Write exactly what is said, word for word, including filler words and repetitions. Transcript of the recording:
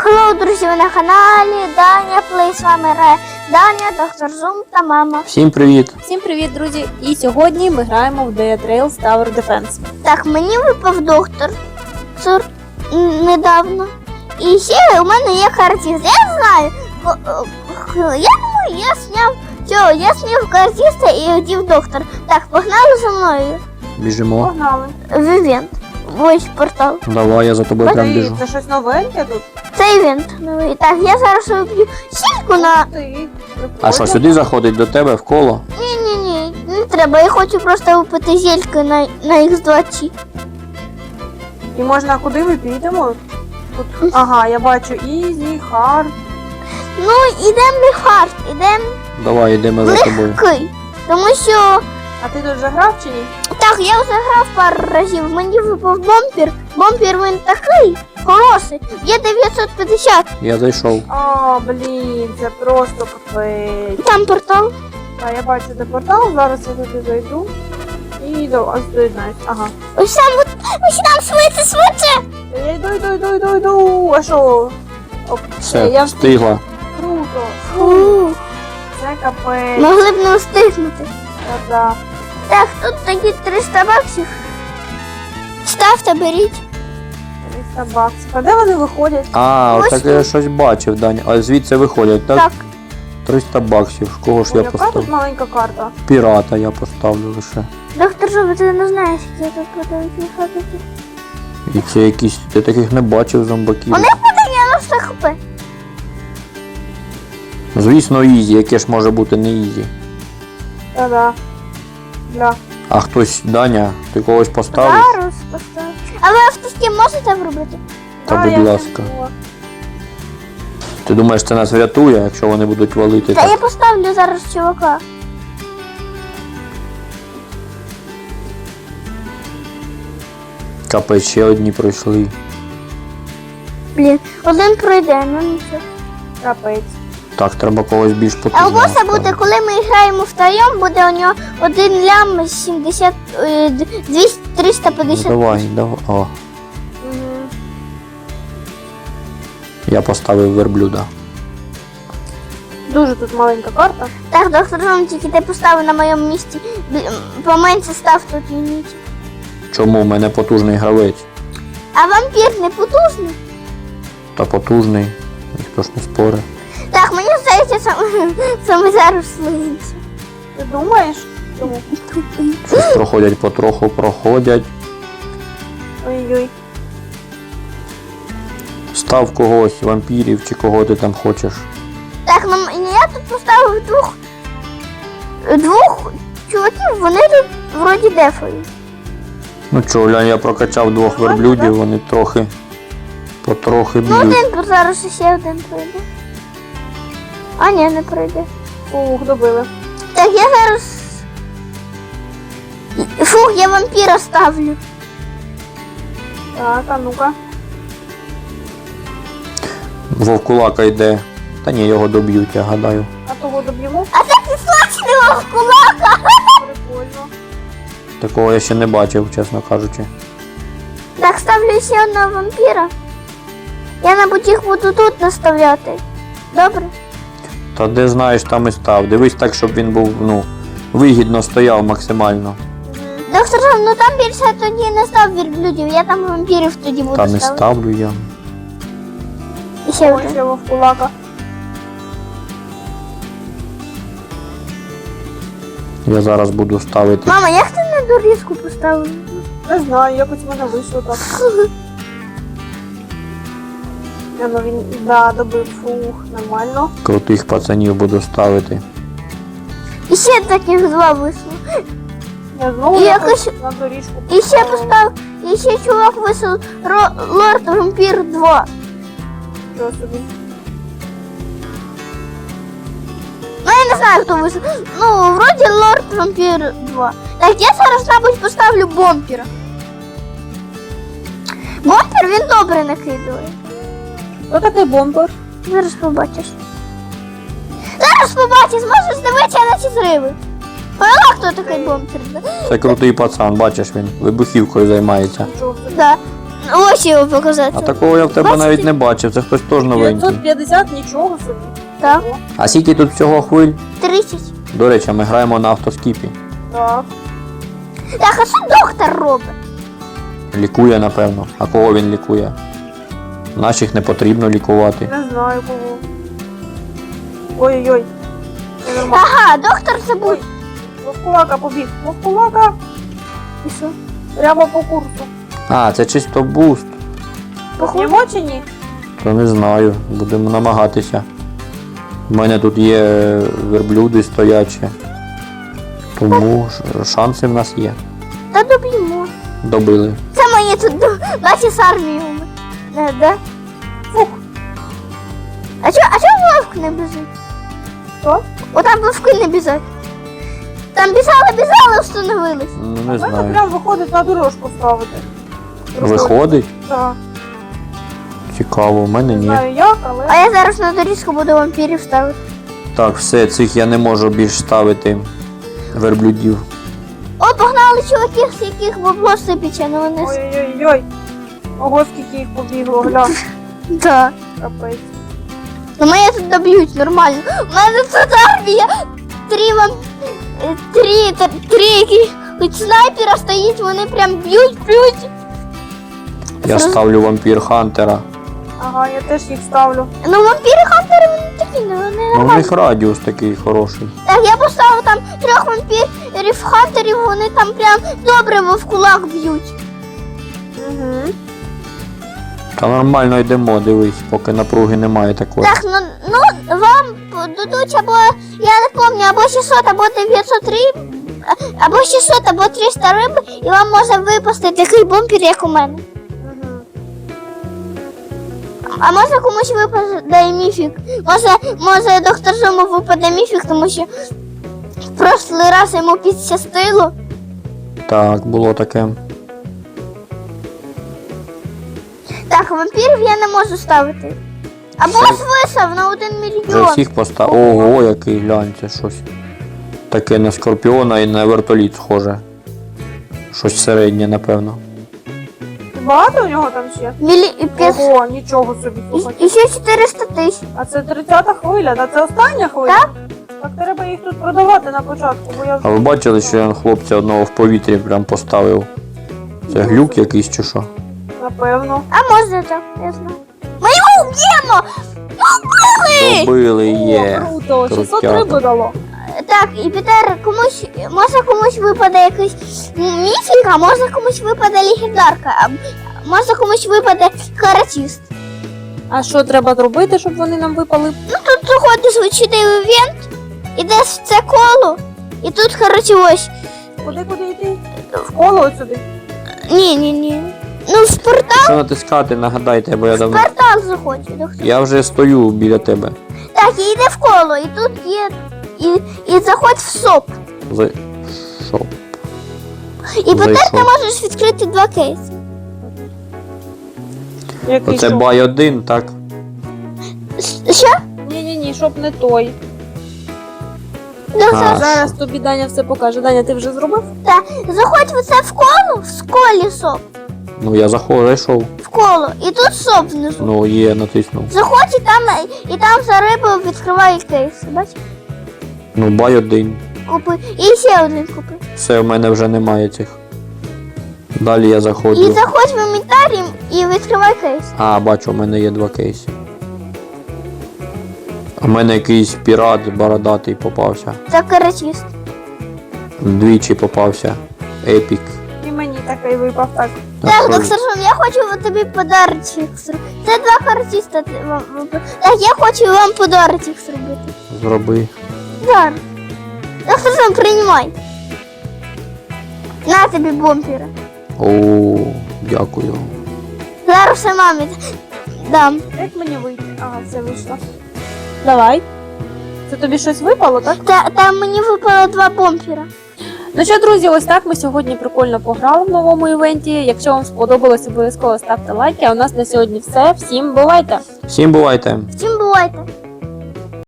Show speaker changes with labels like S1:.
S1: Хеллоу, друзі, ви на каналі Даня Плей. З вами грає Даня, доктор Зум та мама.
S2: Всім привіт!
S3: Всім привіт, друзі! І сьогодні ми граємо в Dead Rails Tower Defense.
S1: Так, мені випав доктор Цур недавно. І ще у мене є картіст. Я знаю, я думаю, я зняв цього, я зняв картіста і одів доктор. Так, погнали за мною.
S2: Біжимо.
S3: Погнали.
S1: В івент. Ось портал.
S2: Давай, я за тобою прям біжу.
S3: Це щось новеньке тут?
S1: Це івент новий. Так, я зараз виб'ю сільку на...
S3: Ти.
S2: А що, сюди заходить до тебе в коло?
S1: Ні-ні-ні, не треба. Я хочу просто випити зельки на, на ікс двадцять.
S3: І можна куди ми підемо? Тут. Ага, я бачу Easy, Hard.
S1: Ну, ідемо не хард, ідемо
S2: Давай, йдемо за тобою.
S1: легкий. Тому що,
S3: А ти тут вже грав чи ні?
S1: так, я вже грав пару разів, мені випав бомпер. Бомпер він такий хороший, є дев'ятсот п'ятдесят.
S2: Я зайшов.
S3: А, блін, це просто капець.
S1: Там портал.
S3: А я бачу де портал, зараз я туди зайду. І до вас доєднаюсь. Ага.
S1: Ось там, от- ось там швидше, швидше.
S3: Я йду, йду, йду, йду, йду. А що? Оп,
S2: Все,
S3: я
S2: встигла.
S3: Круто.
S1: Фу,
S3: Це капець.
S1: могли б не встигнути.
S3: Да.
S1: Так, тут такі триста баксів. Ставте, беріть.
S3: триста баксів. А де вони виходять?
S2: А,
S1: Ось
S2: так я щось бачив, Даня. А звідси виходять, так?
S1: Так,
S2: триста баксів. Кого ж
S3: Ой,
S2: я
S3: яка тут
S2: поставлю?
S3: маленька карта?
S2: Пірата я поставлю лише.
S1: доктор Зуби, ти не знаєш, як я тут буду їхати.
S2: І це якісь, я таких не бачив зомбаків.
S1: Вони буде дев'яносто хп.
S2: Звісно, ізі, яке ж може бути не ізі.
S3: Та-да. Бля.
S2: А хтось, Даня, ти когось поставиш?
S1: Зараз поставлю. А ви автостім можете вробити?
S2: Та
S3: Да,
S2: будь
S3: я
S2: ласка.
S3: втягнула.
S2: Ти думаєш, це нас врятує, якщо вони будуть валити?
S1: Та
S2: Так?
S1: я поставлю зараз чувака.
S2: Капець, ще одні пройшли.
S1: Блін, один пройде, ну нічого.
S3: Капець.
S2: Так, треба когось більш
S1: А у
S2: потужного.
S1: боса буде,
S2: ставити.
S1: коли ми граємо втроєм, буде у нього один лям сімдесят, е, двісті, триста
S2: Ну,
S1: п'ятдесят.
S2: давай, давай. О,
S3: Угу.
S2: я поставив верблюда.
S3: Дуже тут маленька карта.
S1: Так, доктор Зум, тільки ти поставив на моєму місці. Бл- Поменше став тут юніт.
S2: Чому? У мене потужний гравець.
S1: А вампір не потужний?
S2: Та потужний. Ніхто ж не спорить.
S1: Так, мені здається, саме, саме зараз слизиться.
S3: Ти думаєш? Чому?
S2: Щось проходять потроху, проходять.
S3: Ой-ой.
S2: Став когось, вампірів чи кого ти там хочеш.
S1: Так, ну м- я тут поставив двох двох чуваків, вони тут вроді дефають.
S2: Ну чо, глянь, я прокачав двох
S3: Нормально,
S2: верблюдів,
S3: да?
S2: вони трохи, потрохи
S1: Ну
S2: б'ють.
S1: один зараз ще один пройде. А ні, не пройде.
S3: Ух, добили.
S1: Так, я зараз. Фух, я вампіра ставлю.
S3: Так, а ну-ка.
S2: Вовкулака йде. Та ні, його доб'ють, я гадаю.
S3: А того доб'ємо?
S1: А це підслаченого кулака.
S3: Прикольно.
S2: Такого я ще не бачив, чесно кажучи.
S1: Так, ставлю ще одного вампіра. Я, мабуть, їх буду тут наставляти. Добре?
S2: Та де знаєш, там і став. Дивись так, щоб він був, ну, вигідно стояв максимально.
S1: Доктор Жан, ну там більше тоді не став верблюдів, я там вампірів тоді буду
S2: Та не
S1: ставити.
S2: ставлю я.
S1: І ще
S3: Ой,
S1: один.
S3: ще вовкулака.
S2: Я зараз буду ставити.
S1: Мама, як ти на дорізку поставив?
S3: Не знаю, якось в мене вийшло так. Я, ну він, да, добив, фух, нормально.
S2: Крутих пацанів буду ставити.
S1: І ще таких два вийшло.
S3: Я знову
S1: І
S3: якось
S1: якось-
S3: на доріжку
S1: І ще
S3: поставила.
S1: постав, і ще чувак вийшов Ро- Лорд Вампір два.
S3: Нічого собі.
S1: Ну я не знаю, хто вийшов. Ну, вроді Лорд Вампір два. Так, я зараз, мабуть, поставлю бомпера. Бомпер він добре накидує.
S3: Хто такий бомбер?
S1: Зараз побачиш. Зараз побачиш, можеш дивитися на ці зриви. Поняла, хто такий бомпер? Да?
S2: Це крутий пацан, бачиш він, вибухівкою займається.
S3: Нічого собі.
S1: Да. Ось його показати.
S2: А такого я в тебе
S1: Бачите?
S2: навіть не бачив, це хтось теж новенький.
S3: дев'ятсот п'ятдесят, нічого собі.
S1: Так.
S3: О,
S2: А скільки тут всього хвиль?
S1: тридцять.
S2: До речі, ми граємо на автоскіпі.
S3: так.
S1: Так, а що доктор робить?
S2: Лікує, напевно. А кого він лікує? Наших не потрібно лікувати.
S3: Не знаю кого. Ой-ой-ой. Це нормально.
S1: Ага, доктор забув.
S3: Ой, Вовкулака побіг. Вовкулака.
S1: І що?
S3: Прямо по курсу.
S2: А, це чисто буст.
S3: Поп'ємо чи ні?
S2: То не знаю, будемо намагатися. У мене тут є верблюди стоячі. Тому ш- шанси в нас є.
S1: Та доб'ємо.
S2: Добили.
S1: Це мені тут бачиш з армією. Е, да?
S3: Фух.
S1: А чого а чого вовк не біжить?
S3: Що?
S1: Отам вовки не біжать. Там біжали, біжали, встановились.
S2: Ну, не
S3: У мене
S2: знаю.
S3: прям виходить на дорожку ставити.
S2: Виходить?
S3: Так.
S2: Цікаво, в мене
S3: Не
S2: ні.
S3: знаю як, але.
S1: А я зараз на доріжку буду вампірів ставити.
S2: Так, все, цих я не можу більш ставити верблюдів.
S1: О, погнали чуваків, з яких бабло сипіче, ну вони... с-
S3: Ой-ой-ой. Ого, скільки їх побігло, глянь.
S1: Да.
S3: Капець.
S1: Ну мене тут доб'ють нормально. У мене тут армія. Три вам... е, Три, та- три яких хоч снайпера стоїть, вони прям б'ють, б'ють.
S2: Я
S1: Зроз-
S2: ставлю вампір Хантера.
S3: Ага, я теж їх ставлю.
S1: Ну вампіри хантери вони такі, ну вони
S2: Ну, в
S1: нормальні.
S2: них радіус такий хороший.
S1: Так, я поставив там трьох вампірів хантерів, вони там прям добре в кулак б'ють.
S3: Угу.
S2: Та нормально йдемо, дивись, поки напруги немає такої.
S1: Так, ну, ну вам дадуть або, я не пам'ятаю, або шістсот, або дев'ятсот риб, а- або шістсот, або триста риб, і вам може випасти такий бомбір, як у мене.
S3: Угу.
S1: А може комусь випаде міфік. Може, може доктор Зуму випаде міфік, тому що в прошлий раз йому підщастило.
S2: Так, було таке.
S1: Так, вампірів я не можу ставити. Або
S2: Все.
S1: висав на один
S2: Вже
S1: мільйон.
S2: всіх поставив. Ого, який глянь, це щось. Таке на скорпіона і на вертоліт схоже. Щось середнє, напевно.
S3: Багато у нього там ще?
S1: Мілі... і п'ятсот.
S3: Ого, нічого собі, слухай.
S1: І, і ще чотириста тисяч.
S3: А це тридцята хвиля, та це остання хвиля?
S1: Так.
S3: Так треба їх тут продавати на початку, бо я
S2: А
S3: вже...
S2: ви бачили, що я хлопця одного в повітрі прям поставив? Це глюк якийсь чи що?
S3: Напевно.
S1: А може так, я знаю. Ми його вб'ємо! Убили!
S2: Добили
S3: О,
S2: є.
S3: круто, шістсот
S2: Крутяка.
S3: риби дало.
S1: Так, і Пітер, комусь, може комусь випаде якийсь міфік, а може комусь випаде легендарка, а може комусь випаде каратіст.
S3: А що треба зробити, щоб вони нам випали?
S1: Ну тут заходиш в чотири івент, ідеш в це коло, і тут, коротше, ось.
S3: Куди, куди йти? В коло от сюди.
S1: Ні, ні, ні. Ну, в портал,
S2: Що натискати, нагадайте, бо я
S1: в
S2: давно.
S1: портал заходь. доктор.
S2: Я вже стою біля тебе.
S1: Так, і йде в коло, і тут є. І, і заходь в соп.
S2: За... Що?
S1: І тепер ти
S2: Зайшов.
S1: можеш відкрити два кейси.
S3: Який
S2: Оце
S3: що?
S2: бай один, так?
S1: С- Що?
S3: Ні-ні-ні, щоб не той.
S1: Доктор,
S2: А,
S3: Зараз тобі Даня все покаже. Даня, ти вже зробив?
S1: та, заходь в це в коло, в колі соп.
S2: Ну я заходжу, зайшов.
S1: В коло. І тут соп внизу.
S2: Ну є, натиснув.
S1: Заходь і там, і там за рибою відкриває кейс. Бач?
S2: Ну бай один.
S1: Купи. І ще один купи.
S2: Все, в мене вже немає цих. Далі я
S1: І
S2: заходжу.
S1: заходь в інвентар і відкривай кейс.
S2: А, бачу, в мене є два кейси. У мене якийсь пірат бородатий попався.
S1: Це каратіст.
S2: Двічі попався. Епік.
S3: І мені такий випав так.
S2: А
S1: Так,
S2: що
S1: доктор Шум, я хочу тобі подарочок зробити. Це два каратіста. ти- вам- вам- Так, я хочу вам подарочок зробити.
S2: зроби?
S1: Зараз. Доктор Шум, приймай. На тобі бомпіра.
S2: О, дякую.
S1: Зараз все мамі дам.
S3: Як мені вийти? Ага, все вийшло. Давай. Це тобі щось випало, так?
S1: Та, там мені випало два бомпіра.
S3: Ну що, друзі, ось так ми сьогодні прикольно пограли в новому івенті. Якщо вам сподобалось, обов'язково ставте лайки. А у нас на сьогодні все. Всім бувайте!
S2: Всім бувайте!
S1: Всім бувайте.